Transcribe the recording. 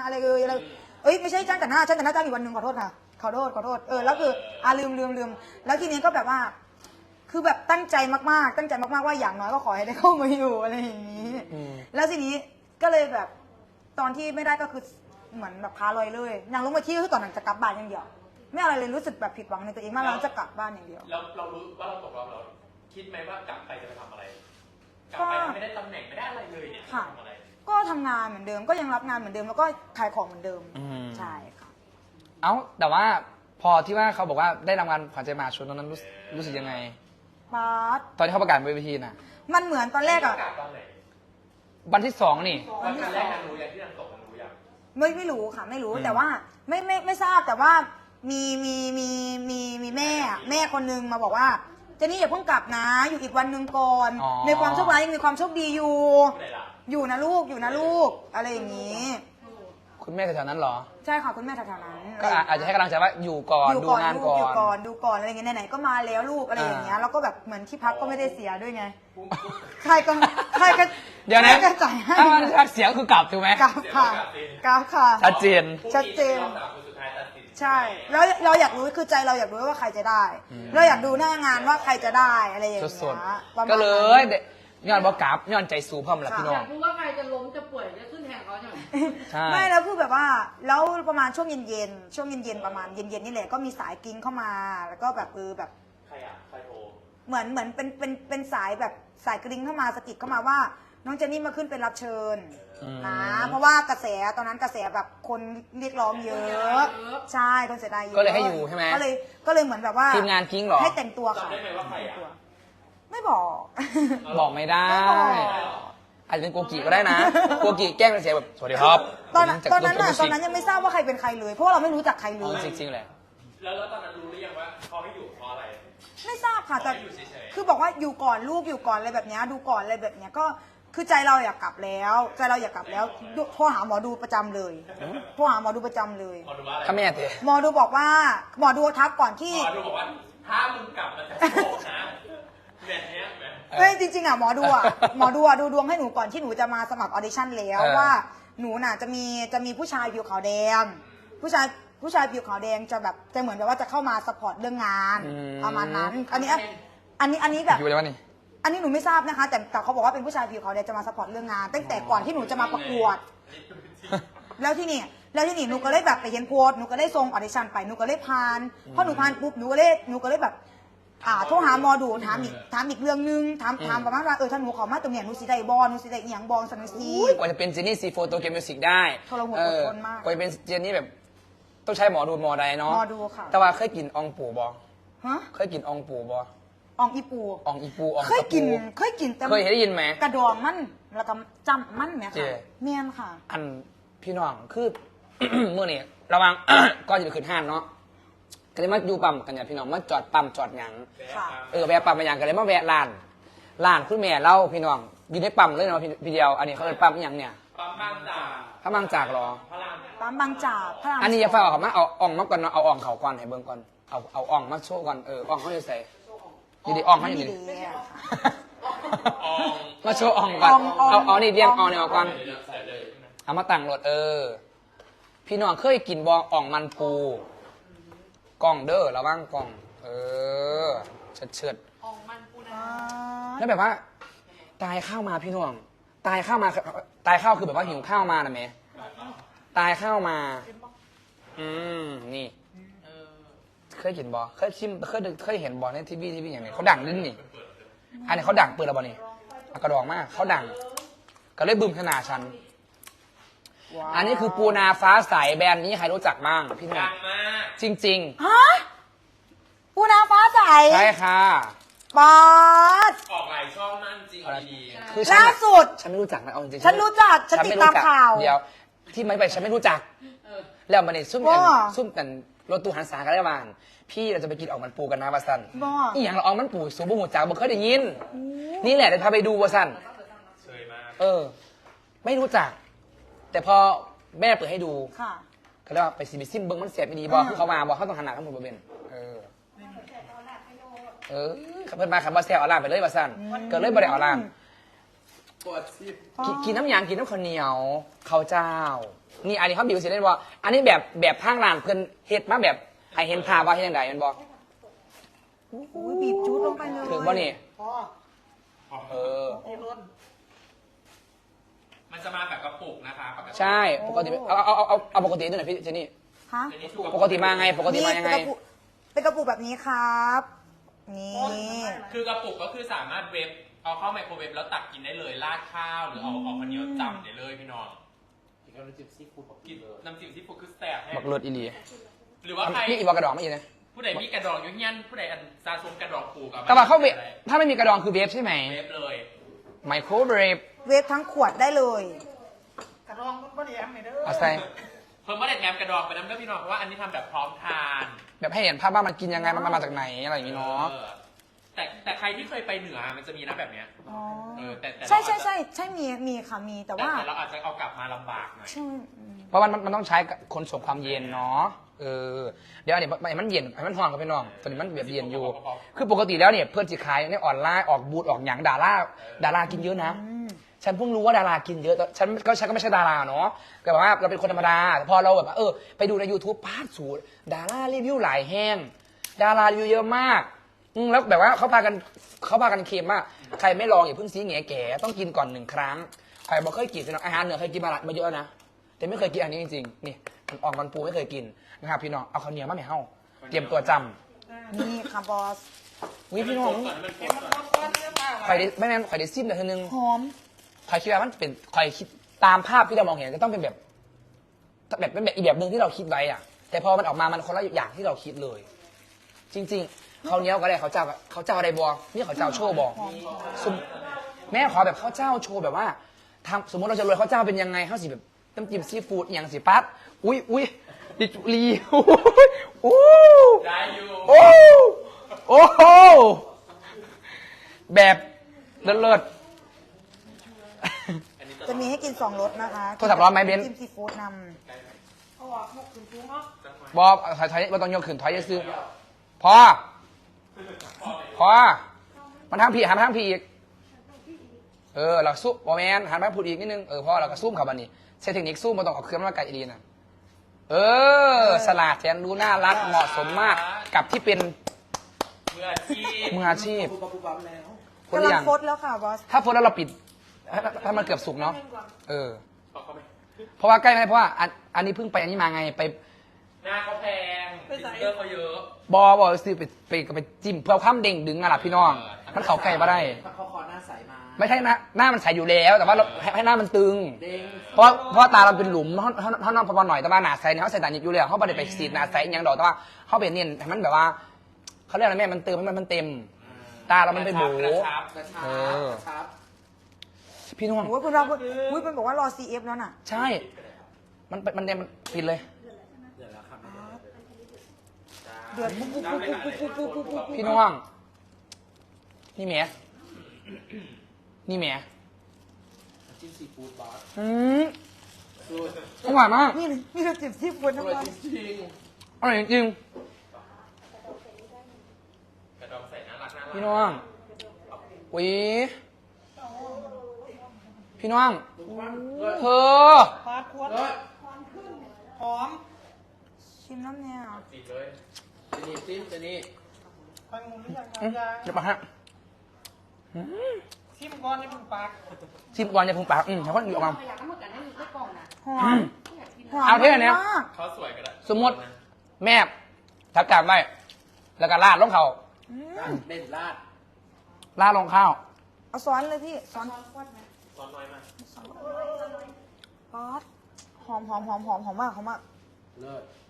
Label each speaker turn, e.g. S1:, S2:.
S1: อะไรอะไรไม่ใช่จ้างแต่งหน้าจ้างอีกวันหนึ่งขอโทษค่ะขอโทษแล้วคือลืมแล้วทีนี้ก็แบบว่าคือแบบตั้งใจมากๆว่าอย่างน้อยก็ขอให้ได้เข้ามาอยู่อะไรอย่างนี้แล้วทีนี้ก็เลยแบบตอนที่ไม่ได้ก็คือเหมือนแบบค้าลอยเลยอย่างลงมาที่คือตอนนั้นจะกลับบ้านอย่างเดียวไม่อะไรเลยรู้สึกแบบผิดหวังในตัวเองมากแล้วจะกลับบ้านอย่างเดียว
S2: แล้วเรารู้ว่าเราตกรอบเราคิดไหมว่ากลับไปจะไปทำอะไรกลับไปไม่ได้ตำแหน่งไม่ได้อะไรเลยเนี่ยทำอะไร
S1: ก็ทำงานเหมือนเดิมก็ยังรับงานเหมือนเดิมแล้วก็ขายของเหมือนเดิมใช่ค่ะ
S3: แต่ว่าพอที่ว่าเขาบอกว่าได้รางวัลขวัญใจมหาชนตอนนั้นรู้สึกยังไงตอนที่เขาประกาศบนเวทีน่ะ
S1: มันเหมือนตอนแรกอะ
S3: วันที่2นี่
S2: วันแรกรู้อย่างที่นางตกรู้อย่าง
S1: ไม่รู้ค่ะไม่รู้แต่ว่าไม่ทราบแต่ว่ามีแม่คนนึงมาบอกว่าเจนี่อย่าเพิ่งกลับนะอยู่อีกวันหนึ่งก่อนในความโชคร้ายยังมีความโชคดีอยู่นะลูกอะไรอย่างนี้
S3: คุณแม่แถวๆนั้นเหรอ
S1: ใช่ค่ะคุณแม่แถวๆนั้น
S3: ก็อาจจะให้กำลังใจว่าอยู่ก่อนดูงานก่อน
S1: ดูก่อนอะไรเงี้ยไหนๆก็มาแล้วลูกอะไรอย่างเงี้ยแล้วก็แบบเหมือนที่พักก็ไม่ได้เสียด้วยไงใครก็
S3: เดี๋ยวนะ
S1: จ่ายให้
S3: ถ้ามันเสียก็คือกลับถูกไหม
S1: กลับค่ะ
S3: ชัดเจน
S1: ใช่แล้วเราอยากรู้คือใจเราอยากรู้ว่าใครจะได้เราอยากดูหน้างานว่าใครจะได้อะไรอย่างเงี้ย
S3: ก็เลยย้อนบอกกลับย้อนใจสูพ่อมละพี่น้อง
S4: อยากรู้ว่าใครจะล้มจะป่วยจะขึ้นแทนเขาใช่ไหม
S3: ใช่
S1: ไม่แล้วคือแบบว่าแล้วประมาณช่วงเย็นประมาณเย็นนี่แหละก็มีสายกิ้งเข้ามาแล้วก็แบบแบบ
S2: ใครโทร
S1: เหมือนเป็นสายแบบสายกริ้งเข้ามาสะกิดเข้ามาว่าน้องเจนนี่มาขึ้นเป็นรับเชิญนะเพราะว่ากระแสตอนนั้นกระแสแบบคนเรียกร้องเยอะใช่คนเสียดายเยอะ
S3: ก็เลยให้อยู่ใช่ไหม
S1: ก็เลยเหมือนแบบว่า
S3: ทีมงานกิ้งหรอ
S1: ให้แต่งตัวค่ะ
S2: จำได้ไหมว่าใคร
S1: ไม่บอก
S3: บอกไม่ได้อาจจะเป็นโกกิก็ได้นะโกกิแกล้งเสียแบบสวัสดีครับ
S1: ตอนนั้นยังไม่ทราบว่าใครเป็นใครเลยเพราะว่าเราไม่รู้จักใครเลย
S3: จริงๆแหละ
S2: แล้วตอนนั้นรู้หรือยังว่าเขาให้อยู่เพราะอะไร
S1: ไม่ทราบค่ะแต่คือบอกว่าอยู่ก่อนลูกอยู่ก่อนอะไรแบบนี้ดูก่อนอะไรแบบนี้ก็คือใจเราอยากกลับแล้วโทรหาหมอดูประจำเลยโทรหาหมอดูประจำเลย
S3: ถ้าแม่เถอะ
S1: หมอดูบอกว่าหมอดูทักก่อนที่
S2: หมอดูบอกว่าถ้ามึงกลับมาจากโลกนะแบบนี้
S1: จริงๆอ่ะหมอดูดูดวงให้หนูก่อนที่หนูจะมาสมัครออดิชั่นแล้วว่าหนูน่ะจะมีผู้ชายผิวขาวแดงผู้ชายผิวขาวแดงจะแบบจะเหมือนแบบว่าจะเข้ามาสปอร์ตเรื่องงานประมาณนั้นอันนี้แบบ
S3: อยู่เลยวะนี่
S1: อันนี้หนูไม่ทราบนะคะแต่เขาบอกว่าเป็นผู้ชายผิวขาวแดงจะมาสปอร์ตเรื่องงานตั้งแต่ก่อนที่หนูจะมาประกวดแล้วที่นี่หนูก็เลยแบบไปเห็นโพสหนูก็เลยส่งออดิชั่นไปหนูก็เลยผ่านพอหนูผ่านปุ๊บหนูก็เลยแบบโทรหาหมอดูถามอีกเรื่องนึงถามประมาณว่าถ้าหนูขอมาตรงเนี้ยหนูสิได้บอลหนูสิได้อีหยังบอลสันซี
S3: กว่าจะเป็นเจนนี่ซีโฟโตเกมมิวสิกได้
S1: ทรหดทนมาก
S3: กว่าจะเป็นเจนนี่แบบต้องใช้หมอดูหมอใดเนาะ
S1: หมอดูค่ะ
S3: แต่ว่าเคยกินองปูบอ
S1: ฮะ
S3: เคยกินองปูบอ
S1: องอีปูเคยกินแต่
S3: เคยได้ยินไหม
S1: กระดองมันแล้วก็จำมันเนี่ยค่ะเมียนค่ะ
S3: อันพี่น้องคือ เมื่อนี่ระวัง ก็จะไปขึ้นห้างเนาะก็เลยมาอยู่ปั๊มกันเนี่ยพี่น้องมาจอดปั๊มจอดหยังแวะปั๊มมาอย่างกันเลยมาแวะร้านคุณแม่เล่าพี่น้องอยู่ในปั๊มเลยเนาะพี่เดียวอันนี้เขาเป็นปั๊มอย่างเนี่ย
S2: ปั๊มบางจาก
S3: พระบางจากหรอ
S1: ปั๊มบางจาก
S3: อันนี้จะฝากเขามาเอาอ่องมาก่อนเนาะเอาอ่องเขาก่อนให้เบิ่งก่อนเอาอ่องมาโชว์ก่อนอ่องเขาจะใส่ดีอ่องเขาอยู่ดีมาโชว์อ่องก่อนเอานี่เรียงอ่องเนี่ยก่อนเอามาตั้งรถพี่น้องเคยกินบอ่องมันปูกล่องเด้อระวังกล่องเฉิด
S4: อ่องมันปูนะ
S3: แล้วแบบว่าตายข้าวมาพี่น้องตายข้าวคือแบบว่าหิวข้าวมานะแม่ตายข้าวมานี่เคยกินบอเคยชิมเคยเห็นบอในทีวีอย่างนี้เขาดังลิ้นนี่อันนี้เขาดังเปิดแล้วบอนี่กระดองมากเขาดังก็เลยบึ้มขนาดฉันอันนี้คือปูนาฟ้าใสแบรนด์นี้ใครรู้จักบ้างพี่น้องจริง
S1: ๆฮะปูนาฟ้าใส
S3: ใช่ค่ะ
S1: บอส
S2: ออกหลายช่องนั่นจริง
S1: คือล่าสุด
S3: ฉันไม่รู้จักนะเอาจริง
S1: ฉันรู้จักฉันติดตามข่าว
S3: เดี๋ยวที่ไม่ไปฉันไม่รู้จักแล้วมันเนี่ยซุ่มกันรถตู้หันษากันได้บ้างพี่เราจะไปกินออกมันปูกันนะวาซันอีอย่างเราออกมันปูสูบบุหัวจ่าบ่เคยได้ยินนี่แหละเดี๋ยวพาไปดูวาซันไม่รู้จักแต่พอแม่เปิดให้ดูก็เลยว่าไปซิมเบิ้งมันเสียบไม่ดีบอกเขามาบอกเขาต้องหันหน้าทั้งหมดบนเบนเพื่อนมาขับบอสแซลเอาล่ามไปเลยวาซันเกิดเลยบริเอาล่าม
S1: พ่อ
S3: กินน้ำยางกินน้ำข้าวเหนียวข้าวเจ้า นี่อันนี้เขาบิวสิเล่นว่าอันนี้แบบทางร้านเพิ่นเฮ็ดมาแบบให้เห็นภาพว่าเฮ็ดยังไงมันบอก
S1: อุ้ยบีบจูดลงไปเลย
S3: ถึงบ่นี่
S5: พ่อ
S3: เออ
S5: โอ้ล้น
S2: มันจะมาแบบกระปุกนะคะปกติ
S3: ใช่ปกติเอาปกติด้วยหน่อยพี่เจนี่
S1: ฮะ
S2: อันนี้ถูก
S3: ปกติมาไงปกติมายังไง
S1: เป็นกระปุกแบบนี้ครับ นี่
S2: คือกระปุกก็คือสามารถเวฟเอาเข้าไมโครเวฟแล้วตักกินได้เลยราดข้าวหรือเอาข้าวเหนียวจำได้เลยพี่น้อง
S5: อีกแล้วน้ำจิ้มซีฟู้ดบอก
S2: กิ
S5: กิ
S2: น
S5: นเลย
S2: น้ำจิ้มซีฟู้ดคือแสบแห้
S3: บักเลิศอีหลี
S2: หรือว่าใคร
S3: นี่อีบอกกระดองไม่อีนะ
S2: ผู้ใดมีกระดองอยู่เฮียนผู้ใดอันซาซุมกระดองผูกกับ
S3: แต่ว่าเขาเวฟถ้าไม่มีกระดองคือเวฟใช่ไหม
S2: เวฟเลย
S3: ไมโครเวฟ
S1: เวฟทั้งขวดได้เลย
S5: กระรองก็ไม่ได้แอมเลยเด้อ
S3: เอาใส่
S2: เพิ่มว่าเด็ดแงมกระดองไปน้ำเด้อพี่น้องเพราะว่าอันนี้ทำแบบพร้อมทาน
S3: แบบให้เห็นภาพว่ามันกินยังไงมันมาจากไหนอะไรอย่างงี้เนาะ
S2: ออแต่ใครที่เคยไปเหนือมันจะมีนะแบบเนี้ย
S1: อ๋อ
S2: แต่
S1: ใช่ใช่ใช่ใช่มีค่ะมีแต่ว่า
S2: แต่เราอาจจะเอากลับมาลำบากหน่อย
S1: ใช่อืม
S3: เพราะมันต้องใช้ขนส่งความเย็นเนาะเออเดี๋ยวอันนี้มันเย็นมันห่อนกับพี่น้องตอนนี้มันแบบเย็นอยู่ คือปกติแล้วเนี่ยเพื่อนจะขายในออนไลน์ออกบูธออกหยังดารากินเยอะนะ
S1: อืม
S3: ฉันเพิ่งรู้ว่าดารากินเยอะแต่ฉันก็ไม่ใช่ดาราเนาะแต่แบบว่าเราเป็นคนธรรมดาแต่พอเราแบบว่าไปดูใน YouTube พาดสูตรดารารีวิวหลายแห้งดารารีวิวเยอะมากแล้วแบบว่าเขาพากันเค็มว่าใครไม่ลองอย่าเพิ่งซีแง่แก่ต้องกินก่อน1 ครั้งใครบอกเคยกินอาหารเหนือเคยกินมาเยอะนะแต่ไม่เคยกินอันนี้จริงๆนี่มันออกมันปูไม่เคยกินนะครับพี่น้องเอาข้าวเหนียวมาไม่เฮ้าเตรียมตัวจ
S1: นี่ค่ะบอส
S3: ำวิพี่น้อง
S2: ก่อนมัน
S5: เห็นมันร้อนๆเนื้อปลา
S3: ใครได้ไม่แม่นใครได้ซิมเดี๋ยวทีนึง
S1: หอม
S3: ใครคิดว่ามันเป็นใครคิดตามภาพที่เรามองเห็นก็ต้องเป็นแบบเป็นแบบอีกแบบหนึ่งที่เราคิดไว้อะแต่พอมันออกมามันคนละอย่างที่เราคิดเลย จริงๆเขาวเหนี้ยวก็ได้เขาเจ้าอะไรบอนี่เขาเจ้าโชว์บอแม่ขอแบบเขาเจ้าโชว์แบบว่าทำสมมติเราจะรวยเขาเจ้าเป็นยังไงเขาสิแบบน้ำจิ้มซีฟู้ดอย่างสิปั๊บอุ้ยดิจูรีโอ้
S2: ได้อยู่
S3: โอ้โอ้โหแบบเลิศ
S2: อันนี้
S1: จะมีให้กิน2 รสนะคะ
S3: โทรศัพท์ร้อนไหมเบน
S1: จิ้มซีฟู้ดน
S5: เอาออกหมกถึงฟุ้งเนาะ
S3: บอถอยมาต้องยกขึ้นถอยจะซื้อพอมันทางผีหันมาทางผีอีกเราซุปบอแมนหันมาพูดอีกนิดนึงพอเราก็ซุ่มเขาบันนี้ใช้เทคนิคซุ่มมาต้องเอาเครื่องมาไกลอีดีนะสลาดแสนรู้น่ารักเหมาะสมมากกับที่เป็น
S2: มืออาชีพ
S3: มืออาชีพ
S5: ปุ๊บปั๊บแล้ว
S1: ำ
S3: คน
S1: กำลั
S3: อง ย่าง
S1: ฟดแล้วค่ะบอส
S3: ถ้าโพสแล้วเราปิดถ้ามันเกือบสุกเนาะ
S2: บอกเขาไหม
S3: เพราะว่าใกล้ไหมเพราะว่าอันนี้เพิ่งไปอันนี้มาไงไป
S2: หน้าเขาแพงดิจิเตอร์เขาเยอะ
S3: บอซื้อไปจิ้มเพื่อความเด้งดึงอะล่ะพี่น้อง มันเข่าไก่มาได้
S5: เขาคอหน้าใสมา
S3: ไม่ใช่หน้ามันใสอยู่แล้วแต่ว่าเราให้หน้ามันตึง
S5: เด้ง
S3: เพราะตาเราเป็นหลุมเขานอนพอหน่อยแต่ว่าหนาใสเนี่ยเขาใส่ตาหนิบอยู่แล้วเขาไม่ได้ไปสีดหนาใสอย่างดอกแต่ว่าเขาเป็นเนี่ยให้มันแบบว่าเขาเรียกอะไรแม่มันเติมให้มันเต็ม ตาเรามันเป็นโบ
S2: กระชับ
S5: กระชับ
S3: เออ
S5: กระชับ
S3: พี่น้อง
S1: โอ้ยคุณเราอุ้ยเป็นบอกว่ารอ CF แล้วน่ะ
S3: ใช่ มันปิดเลย
S5: เดี๋ยวแล้วครับ
S1: เดือดปุ๊บปุ๊บปุ๊บปุ๊บปุ๊บปุ๊บปุ๊บปุ๊บ
S3: พี่น้องนี่แหมนี่แหม
S5: น้ำจิ้มซีฟู้ดบอส สูตร
S3: อร่อยมาก
S1: นี่เราจิ้มซีฟู้ด
S5: อ
S1: นะ
S5: ร่อย
S1: บอส
S5: จริง
S3: อร่อยจริง
S2: กระดองใส่น่ารัก
S3: ๆพี่น้องอุ้ยพี่น้อง
S5: ๆดูว่าเลิศ
S3: เธอ
S5: ปลาควดเลิศหอม
S1: ชิมน้ำเนี่ย
S2: จีบเลย
S5: เจนี่จิ้มเจนี่
S6: คอยงงหรือยัง
S3: เดี๋ยวมาฮะ
S6: ชิมก่อนนี่มึงปาก
S3: ชิมก่อนอย่าเพุ่งปากแล้วก็อยู่ออกมา
S4: อยากให้หมดกันให้ได้กล่องนะ
S1: หอมหอม
S3: เอาเท่านี้
S1: มาก
S2: เขาสวยก็ได้
S3: สมมติแม่ทักการไว้แล้วก็ราดลงเขา
S5: เด่นลาด
S3: ราดลงข้าว
S1: เอาซ้อนเลยพี่ซ้อน
S2: ตอนน้อยมาก
S1: บอสหอมมากหอมมาก
S5: เลิศ